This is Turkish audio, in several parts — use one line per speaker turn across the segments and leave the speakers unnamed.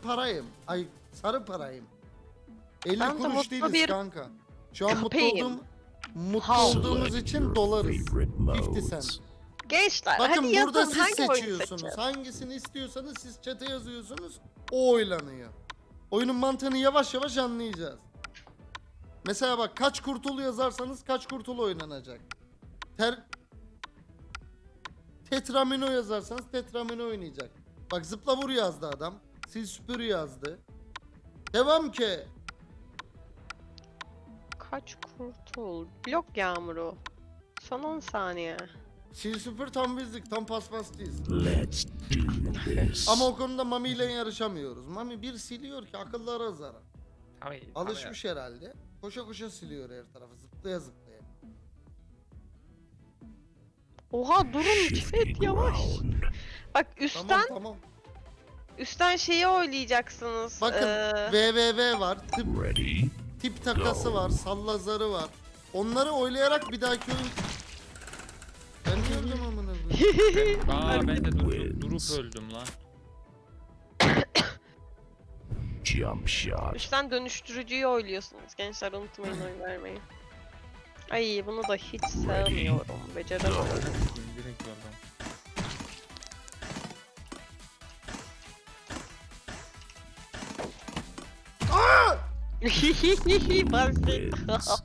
parayım. Ay sarı parayım. 50
Ben de
kuruş
mutlu
değiliz
bir
kanka. Şu an
köpeğim.
mutlu olduğumuz için dolarız. 50 cent.
Gençler
Bakın
hadi yazın
burada siz
hangi oyunu
seçiyorsunuz.
seçeceğiz?
Hangisini istiyorsanız siz chat'e yazıyorsunuz. O oylanıyor. Oyunun mantığını yavaş yavaş anlayacağız. Mesela bak kaç kurtul yazarsanız kaç kurtul oynanacak. Tetramino yazarsanız tetramino oynayacak. Bak zıpla vur yazdı adam. Sil süpür yazdı. Devam ki.
Kaç kurtul? Blok yağmuru. Son 10 saniye.
Sil süpür tam bizlik, tam paspasçıyız.
Let's do this.
Ama o konuda Mami ile yarışamıyoruz. Mami bir siliyor ki akıllara zarar.
Tabii,
Alışmış herhalde. Koşa koşa siliyor her tarafı. Zıplaya zıplaya.
Oha durun
Shift
chat yavaş.
ground.
Bak üstten
Tamam.
üstten şeyi oylayacaksınız.
Bakın VVV var.
Ready?
Tip takası var. Salla zarı var. Onları oylayarak bir dahaki oyun... Ben ne öldüm amına koyayım?
Ben de durup öldüm lan.
Jump shot.
üstten dönüştürücüyü oyluyorsunuz. Gençler unutmayın oy vermeyi. Ay bunu da hiç sevmiyorum. Beceremiyorum.
Direkt öldüm.
Basit.
Wins.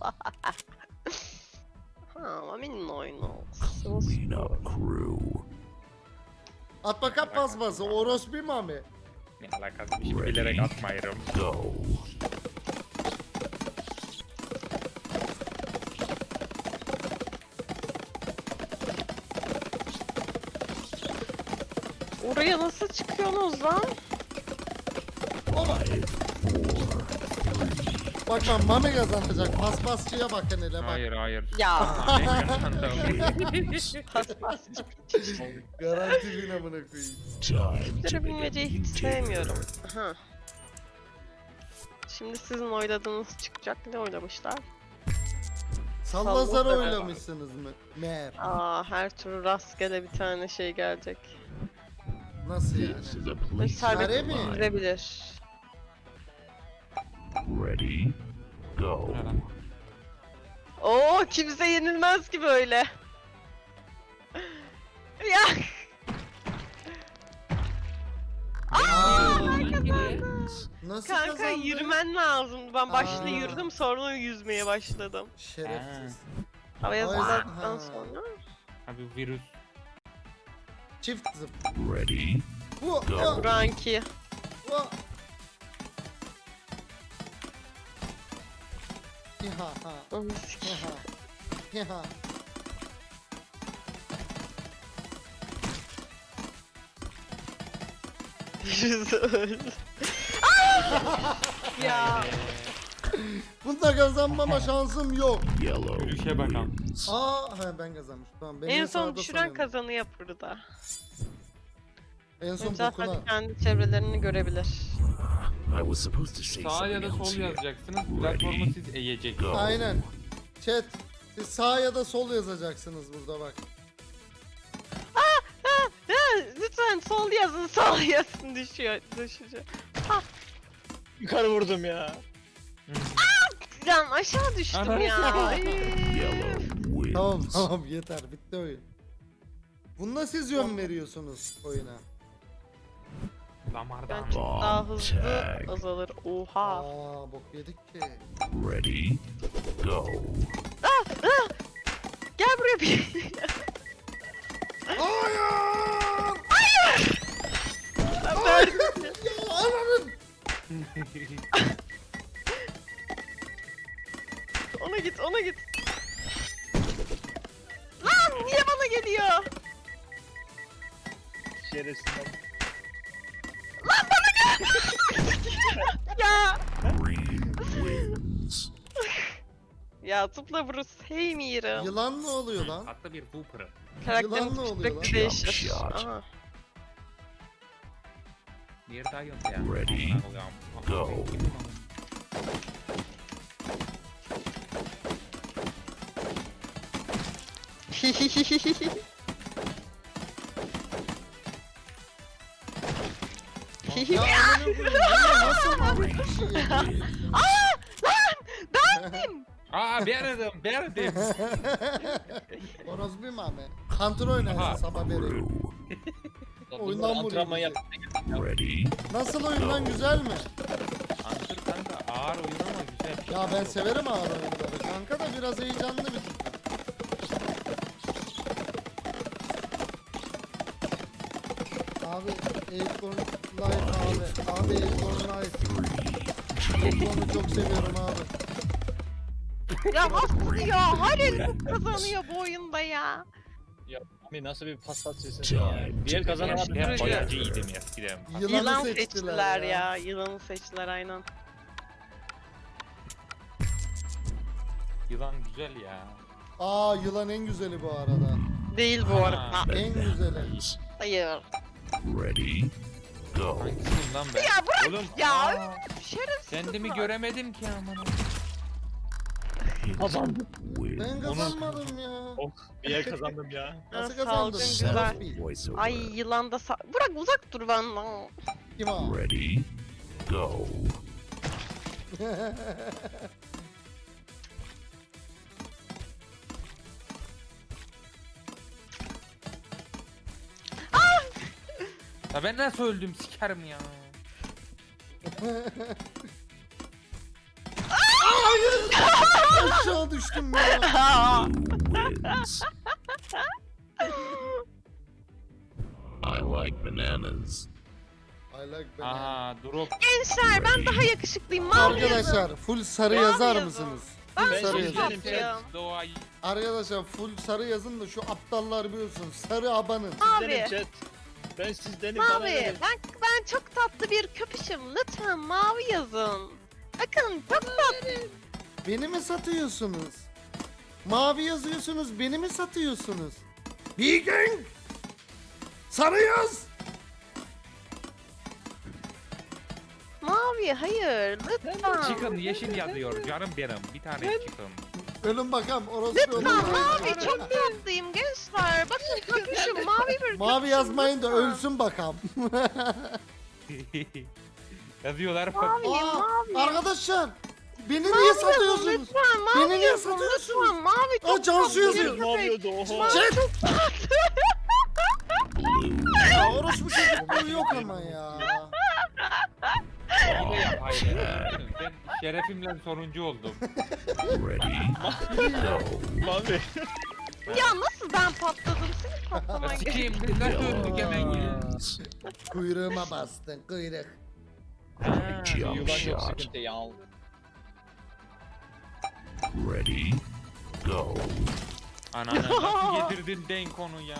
Ha, Mami'nin oyunu.
Clean up crew.
At bakalım pasması. Orospu Mami.
Ne alakası bir şey bilerek atmayırım.
Go.
Oraya nasıl çıkıyorsunuz lan?
Bak ben Mami kazanacak. Paspasçıya bakın hele bak.
Hayır.
Ya.
Ben kazandım.
Pas pas.
Garanti bin amına koyayım.
Time to
Bunları
make a
bilmeceyi hiç
new
sevmiyorum.
dinner.
Aha. Şimdi sizin oyladığınız çıkacak. Ne oylamışlar?
Salla zar
Salla.
oylamışsınız mı? Meğer.
Aa, her türlü rastgele bir tane şey gelecek.
Nasıl yani?
This is a place
Serbest
Kare mi?
girebilir.
Ready? Go.
Oo, kimse yenilmez ki böyle. Ya.
Nasıl
Kanka
kazandın?
yürümen lazım. Ben başta
Aa.
yürüdüm sonra yüzmeye başladım.
Şerefsiz.
Havaya
Vay
zıpladıktan
ha.
sonra.
Abi virüs.
Çift zıp.
Ready?
Bu.
Go.
Ranki.
Bu. Ha ha.
Onu sik-
Ha ha.
Yüzü öldü. Ya.
Bunda kazanmama şansım yok.
Yellow
Yürüyüşe bakalım.
wins.
Ben kazanmışım. Tamam. Ben
En
yine
son
sağda
düşüren
sanıyorum.
kazanıyor burada.
En son
Zaten
bokuna.
kendi çevrelerini görebilir.
I was supposed to say
Sağ ya
something
da
else
sol
here.
yazacaksınız. Platformu siz eğeceksiniz.
Go.
Aynen. Chat. Siz sağ ya da sol yazacaksınız burada bak.
Ya, lütfen sol yazın, sol yazın düşüyor.
Yukarı vurdum ya.
Can aşağı düştüm
Ana.
ya. Ay.
Yellow wins.
Tamam yeter bitti oyun. Bunda siz yön veriyorsunuz oyuna.
Damardan.
Ben çok daha hızlı
Tag.
azalır. Oha.
Bok yedik ki.
Ready? Go.
Gel buraya bir.
Hayır! Ya ananın!
Ona git. Lan niye bana geliyor?
Şerefsiz.
Ya.
Green wins.
Ya tıpla Bruce sevmiyorum.
Yılan ne oluyor lan?
Hatta bir Whooper'ı.
Karakterin
Yılan ne oluyor lan?
sürekli değişir.
Jump shot.
Aha.
Diğer daha yok ya.
Ready?
Amına koyayım.
Go.
Ya amına koyayım. Bu nasıl Mami bir şey ya?
Aa beğendim.
Orospu Mami. Hunter oynayın
Aha.
sabah beri. Oyundan
Bunlar antrenman
vuruyor
yaptı.
Ready?
Nasıl oyundan güzel mi?
Hunter kanka ağır oyun ama güzel.
Ya ben severim ağır oyunları. Kanka da biraz heyecanlı bir tık. Abi Acorn Life abi. Abi Acorn Life. Acorn'u çok seviyorum abi.
Ya nasıl ya? Halil kazanıyor bu oyunda ya.
Abi nasıl bir paspas sesin ya. Diğer kazanan abi.
Ben
Yürü.
boyacıydım eskiden.
Yılan seçtiler ya. Yılanı seçtiler aynen.
Yılan güzel ya.
Aa yılan en güzeli bu arada.
Değil bu
Ha.
arada.
En güzeli.
Hayır.
Ready? Go.
Hangisiyim lan ben?
Ya bırak
Oğlum,
ya.
aa,
Şerefsiz.
kendimi göremedim ki aman.
Kazandım.
Win.
Ben kazanmadım ya.
Oh bir yer kazandım ya.
Nasıl
Salgın
kazandın?
güzel.
Orospu.
Voiceover.
Ay yılan da bırak uzak dur benden.
Kim o?
Ready? Go.
Ya ben nasıl öldüm sikerim ya.
Aşağı düştüm ya.
Wins. I like bananas.
I like banana.
Aha drop.
Gençler ben daha yakışıklıyım. Mavi yazın.
Arkadaşlar full sarı
Mavi
yazar
yazın.
mısınız?
Ben
Full
Ben
sarı
sizdenim.
yazın.
tatlıyım.
Doğayı.
Arkadaşlar full sarı yazın da şu aptallar biliyorsun. Sarı abanın.
Sizdenim
Mavi.
chat. Ben sizdenim. bana
Mavi.
verin.
Ben çok tatlı bir köpüşüm. Lütfen mavi yazın. Bakın çok tatlı.
Beni mi satıyorsunuz? Mavi yazıyorsunuz, beni mi satıyorsunuz? Vegan! Sarı yaz!
Mavi hayır lütfen.
Chicken yeşil yazıyor canım benim. Bir tane chicken.
Ölün bakalım orası
Lütfen
ölün.
mavi çok tatlıyım gençler. Bakın köpüşüm mavi bir
Mavi
köpüşüm,
yazmayın da
lütfen.
ölsün bakalım.
Yazıyorlar.
Mavi
Aa,
mavi.
arkadaşlar beni
Mavi
niye
yazın
satıyorsunuz?
lütfen mavi
Beni niye
yazın
satıyorsunuz?
lütfen mavi çok
Aa, Cansu
tatlı bir
yazıyor.
Mavi
köpek.
oldu oho.
Mavi
Chat!
çok tatlı.
Ya orospu çocukluğu yok ama ya.
Hile yap hayır. Ben şerefimle sonuncu oldum.
Ready? Go.
Mavi.
Ya nasıl ben patladım senin patlaman gerekiyor.
Sikeyim biz nasıl öldük hemen ya.
Wins.
Kuyruğuma bastın kuyruk.
Ha,
Jump
Yuvan yok
shot.
sıkıntı ya.
Ready? Go.
Ananı nasıl getirdin denk onu ya.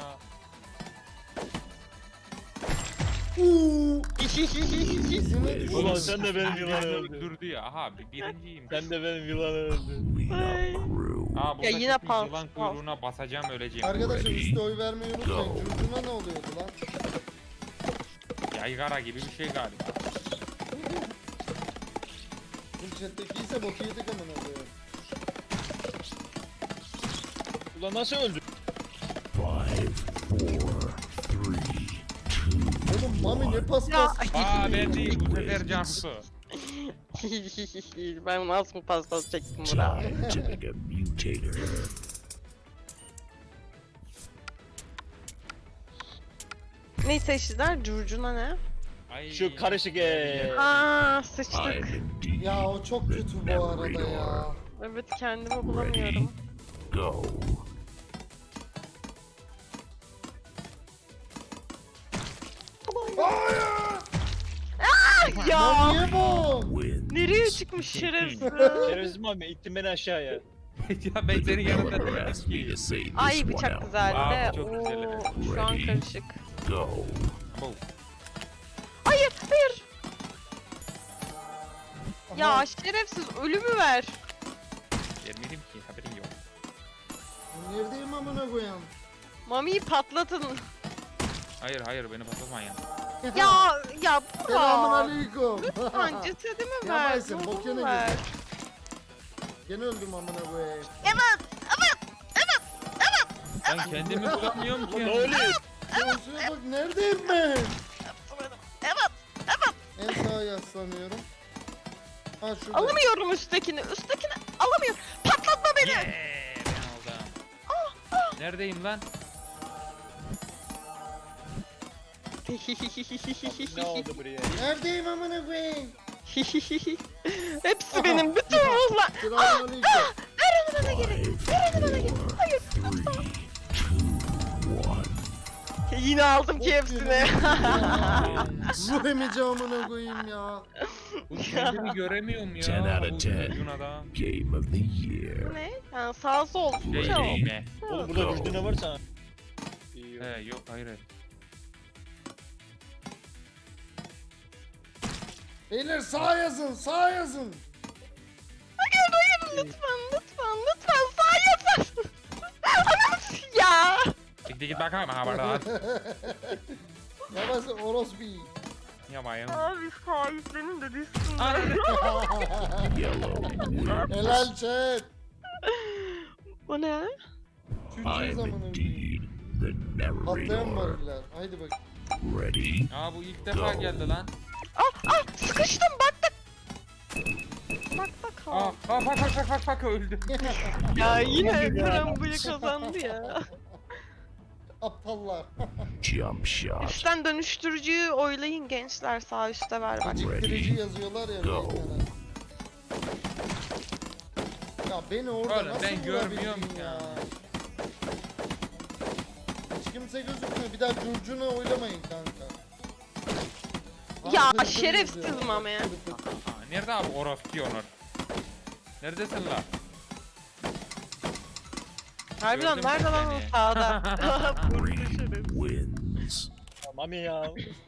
Uuu. İzine düşün.
Ulan sen de benim yılan
Beni
öldü.
öldürdü ya. Aha birinciyim.
Sen de benim yılan öldü.
Clean up crew.
Aa burada
Ya yine
yine
pal-
yılan
pal.
kuyruğuna basacağım öleceğim.
Arkadaşlar üstte oy vermeyi unutmayın.
Go.
Curcuna ne oluyordu lan?
Yaygara gibi bir şey galiba.
Bu chatteki ise boku yedik amına koyuyor.
Ulan nasıl öldü?
5, 4, 3, 2,
Oğlum Mami ne
Ya.
paspas.
Aa ben değil bu sefer Cansu.
Ben nasıl paspas çektim bura.
time to make a mutator.
Ne seçtiler? Curcuna ne?
Ay.
Şu karışık
Aa sıçtık.
I'm indeed
Ya o çok kötü bu arada ya.
Evet kendimi bulamıyorum.
go.
Lan
Ya
niye bu?
Wins.
nereye çıkmış şerefsiz?
Şerefsiz Mami ittin beni aşağıya.
Ya ben
The
senin yanında
developer
değilim
asked me
ki.
to say this
Ay
one
bıçak
out
güzeldi de.
Aa, çok güzel,
Oo,
evet.
şu an
Ready?
karışık.
Go.
Bu.
Hayır hayır.
Aha,
Ya şerefsiz ölümü ver.
Vermedim ki haberin yok.
Neredeyim amına koyayım?
Mami'yi patlatın.
Hayır beni patlatmayın.
Ya
Selamun
bırak.
aleyküm.
Lütfen cesedimi
Ya
ver.
Baysin, bok
ruhumu
yine
ver.
girdi. Gene öldüm amına koyayım.
Ben kendimi bulamıyorum ki.
Ne oluyor?
Cansu'ya bak neredeyim ben?
Evet.
En sağa yaslanıyorum. Ha şurada.
Alamıyorum üsttekini. Üsttekini alamıyorum. Patlatma beni.
Ben aldım. Neredeyim lan?
Ne oldu buraya?
Neredeyim amına koyayım?
Hepsi benim. Bütün ruhlar.
Selamünaleyküm.
Ver onu bana geri. Ver onu bana geri. Hayır. Yine aldım ki hepsini.
Ruh emici amına koyayım ya.
Bu kendimi göremiyorum ya.
10 out of
Bu
10.
çocuğun adam.
Game of the year.
Ne? Yani sağ sol.
Şey
Çok.
değil mi?
Oğlum burada güçlü ne varsa. İyi.
He yok hayır.
Beyler sağ yazın, sağ yazın.
Hayır lütfen sağ yapın. Anam ya.
Git bakalım ha bana.
Yavaş orospu.
Yapayım.
Abi sahiplenin de düşsün.
Yellow wins.
Helal chat.
Bu ne?
Çürüyeceğiz
I'm
amına koyayım.
indeed the
Patlayan
narrator.
varlar. Haydi bak.
Ready?
Aa bu ilk defa geldi lan.
Sıkıştım bak.
Aa bak öldü.
Ya yine karambole kazandı ya.
Aptallar.
Jump shot.
Üstten dönüştürücüyü oylayın gençler, sağ üstte ver bak.
Geciktirici yazıyorlar ya.
Go.
beynlere. Ya beni orada
Oğlum,
nasıl
ben görmüyorum
vurabildin
ya.
Hiç kimse gözükmüyor. Bir daha curcuna oylamayın kanka.
Ya,
Hırpır
şerefsiz
yazıyor.
mame.
Hırpır.
Aa, nerede abi orospu Onur? Neredesin lan?
Harbiden
Gördüm
nerede lan o
seni.
sağda?
Green wins.
Mami ya.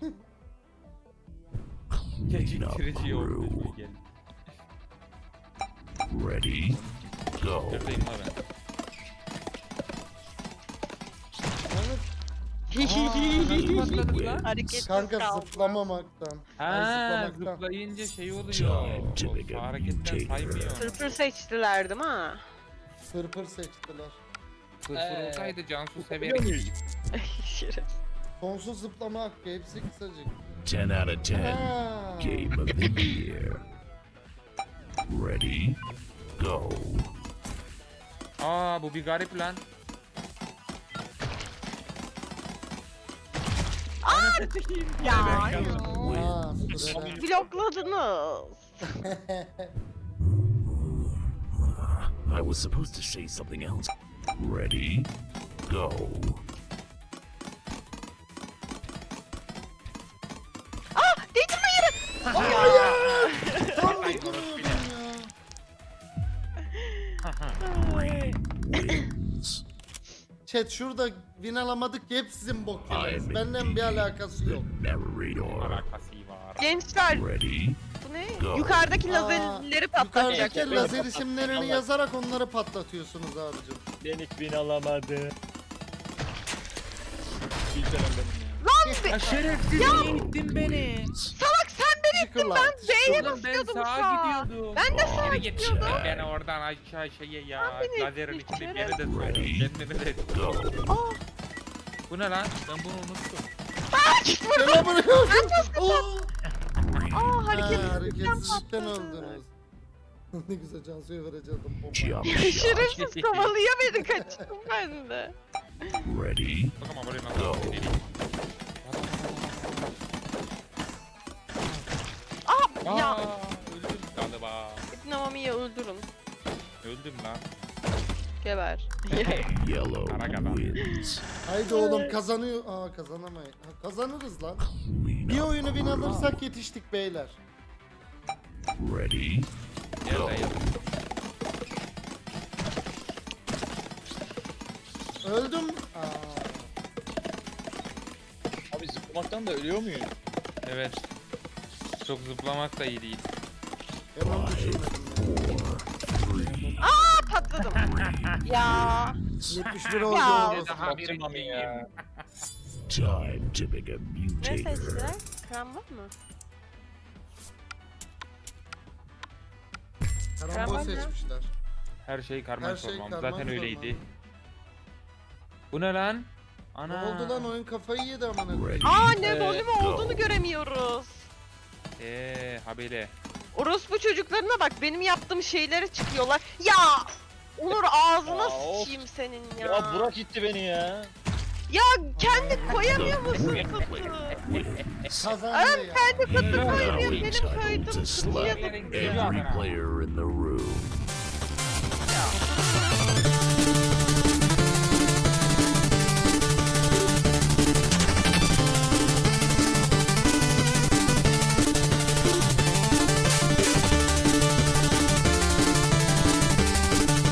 Clean up
Geciktirici oldu.
crew.
Gel.
Ready? Go.
Neredeyim lan ben?
Evet,
Nasıl patladı lan?
Hareketsiz
kanka
kaldı.
zıplamamaktan.
Ha
Ay, zıplamaktan.
zıplayınca şey oluyor.
Time to make
O
a
hareketten
mutator.
saymıyor.
Tırpır seçtiler değil mi?
Pırpır seçtiler.
Fırfır olsaydı Cansu
Biliyor
severim.
muyuz?
Şerefsiz.
Sonsuz zıplama hakkı hepsi kısacık.
10 out of 10.
Ha.
Game of the year. Ready? Go.
Aa bu bir garip lan.
Ya.
Ha, süre.
Blokladınız.
I was supposed to say something else. Ready? Go.
Değdirme yere.
Tam bir kuruyordum ya.
Wins.
Chat şurada win alamadık ki hep sizin bok yediniz.
I'm
Benden bir alakası yok.
the narrator.
Alakası var.
Gençler
Ready?
bu ne?
Go.
Yukarıdaki
Aa,
lazerleri patlatacak.
Yukarıdaki lazer isimlerini
Allah.
yazarak onları patlatıyorsunuz abicim.
Denik bin alamadı. Bilsem benim ya.
Ya şerefsiz niye ittin beni?
Salak sen beni
Teşekkürler. teşekkürler.
Oğlum ben
basıyordum
sağa
sağa.
gidiyordum.
Ben de sağa
Geri git.
gidiyordum.
Ben oradan aşağı şeye ya.
beni
Lazerin
ittin,
içinde geri de soktum. Kendimi de.
Go.
Aa,
Bu ne lan? Ben bunu unuttum.
git buradan.
Selamünaleyküm. Oo.
Aa hareketsizlikten
Hareketsizlikten
patladı.
öldünüz. Ne güzel Cansu'ya verecektim bomba.
Jump shot.
Şerefsiz kovalıyor beni, kaçtım ben de.
Ready?
Bak ama buraya nasıl
Go.
gideyim.
Ya
Aa, öldüm galiba.
İbn Mami'yi öldürün.
Öldüm lan.
Geber.
Yellow
Kara kadar.
wins.
Haydi oğlum kazanıyor. Aa kazanamayız. Ha, kazanırız lan.
Clean
Bir
up.
oyunu win alırsak yetiştik beyler.
Ready?
Gel
Go.
dayı.
Öldüm. Aa.
Abi zıplamaktan da ölüyor muyuz?
Evet. Çok zıplamak da iyi değil.
Ben onu düşünmedim ya.
Patladım. Ya.
71 oldu
Ya.
oğlum.
Daha
Baktım
bir
Mami ya.
Time to make a
Ne
mutator.
seçtiler? Krambol mu?
Karambol
Karambol ne?
seçmişler.
Her şey karman
Her şey
çorman.
karman
Zaten öyleydi.
çorman.
Bu ne lan?
Ne
Ana.
oldu lan oyun kafayı yedi amına koyayım.
Ready?
Aa ne
Evet,
volümü
go.
olduğunu göremiyoruz.
Haberi.
Orospu çocuklarına bak benim yaptığım şeylere çıkıyorlar. Ya! Onur ağzına
Ya, of.
sıçayım senin ya.
Ya Burak gitti beni ya.
Ya kendi koyamıyor musun kutu?
Kazandı ya.
Kendi kutu
Now
koymuyor benim
entitled
koydum
to
kutuya.
slap every player in the room.